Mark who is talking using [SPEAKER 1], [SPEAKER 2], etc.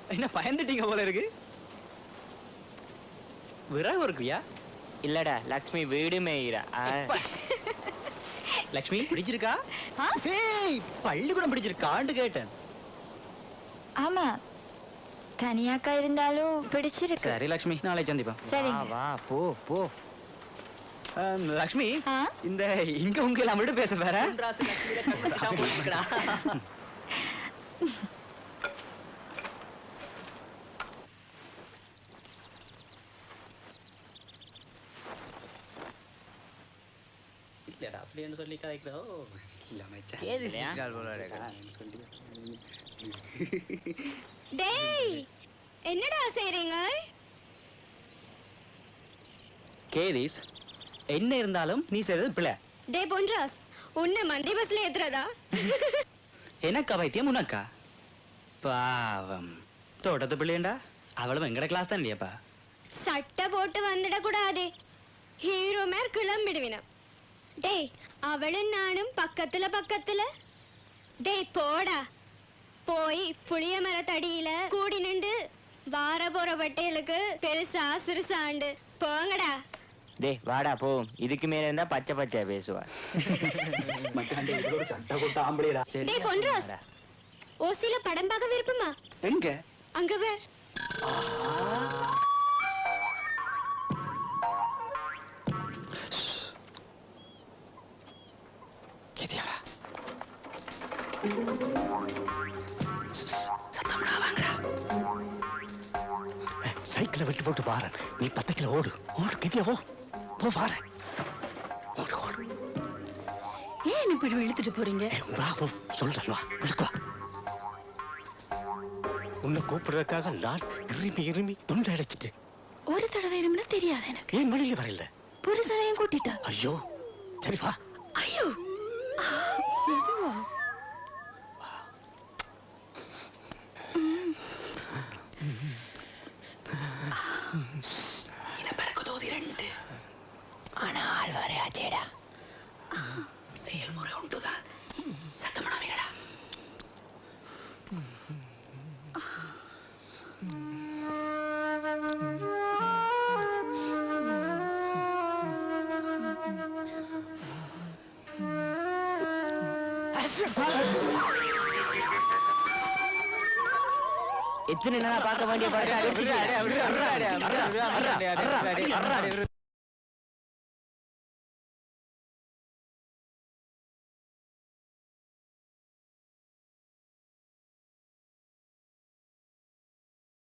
[SPEAKER 1] என்ன பயந்துட்டீங்க போல இருக்கு. விறகு இருக்குயா?
[SPEAKER 2] இல்லடா, லக்ஷ்மி வீடு மேயிரா.
[SPEAKER 1] லக்ஷ்மி பிடிச்சிருக்கா? பள்ளிக்கூடம் பிடிச்சிருக்கான்னு கேட்டேன்.
[SPEAKER 3] ஆமா, தனியாக்கா இருந்தாலும் பிடிச்சிருக்கு.
[SPEAKER 1] சரி லக்ஷ்மி, நாளை சந்திப்போம்.
[SPEAKER 3] சரி
[SPEAKER 2] வா போ போ.
[SPEAKER 1] லக்ஷ்மி, இந்த இங்க உங்க எல்லாம் விட பேச வேற. இல்லடா அப்படின்னு சொல்லி கதைக்கிறோம். இல்ல மச்சான்,
[SPEAKER 2] ஏது சிக்கால் போல இருக்கு.
[SPEAKER 4] டேய், என்னடா செய்றீங்க?
[SPEAKER 1] கேரிஸ், என்ன இருந்தாலும் நீ செய்தது பிள்ளை.
[SPEAKER 4] டேய் பொன்ராஸ், உன்னை மந்தி பஸ்ல ஏத்துறதா?
[SPEAKER 1] எனக்கா பைத்தியம் உனக்கா? பாவம், தோட்டத்து பிள்ளையண்டா. அவளும் எங்கட கிளாஸ் தான் இல்லையாப்பா.
[SPEAKER 4] சட்டை போட்டு வந்துட கூடாதே, ஹீரோ மேர் கிளம்பிடுவினா. டேய், அவளும் நானும் பக்கத்துல பக்கத்துல. டேய் போடா, போய் புளிய மரத்தடியில கூடி நின்று வார போற வட்டைகளுக்கு பெருசா சிறுசாண்டு போங்கடா.
[SPEAKER 2] டேய் வாடா போ. இதுக்கு மேல இருந்தா பச்சை பச்சை பேசுவா.
[SPEAKER 4] டேய் பொன்ராஸ், ஓசில படம் பார்க்க விருப்பமா?
[SPEAKER 1] எங்க?
[SPEAKER 4] அங்க வேற.
[SPEAKER 5] சைக்கிளை விட்டு போட்டு பாரு. நீ 10 கிலோ ஓடு. ஓடு கிட்டியா போ போ பாரு. ஓடு ஓடு.
[SPEAKER 3] ஏன் இப்படி இழுத்துட்டு போறீங்க?
[SPEAKER 5] வா போ, சொல்றேன் வா, விழுக்கு வா. உன்னை கூப்பிடுறதுக்காக நான் இருமி தொண்டை அடைச்சிட்டு.
[SPEAKER 3] ஒரு தடவை இருமுன்னா தெரியாது எனக்கு.
[SPEAKER 5] ஏன் வெளியில வரல?
[SPEAKER 3] புருஷனையும் கூட்டிட்டா.
[SPEAKER 5] ஐயோ, சரி வா.
[SPEAKER 3] ஐயோ,
[SPEAKER 2] ஆனால் வரையாச்சேடா.
[SPEAKER 1] செயல்முறை உண்டுதான். சத்தமனவையடா.
[SPEAKER 2] எத்தனை நாளா பார்க்க வேண்டிய படம்.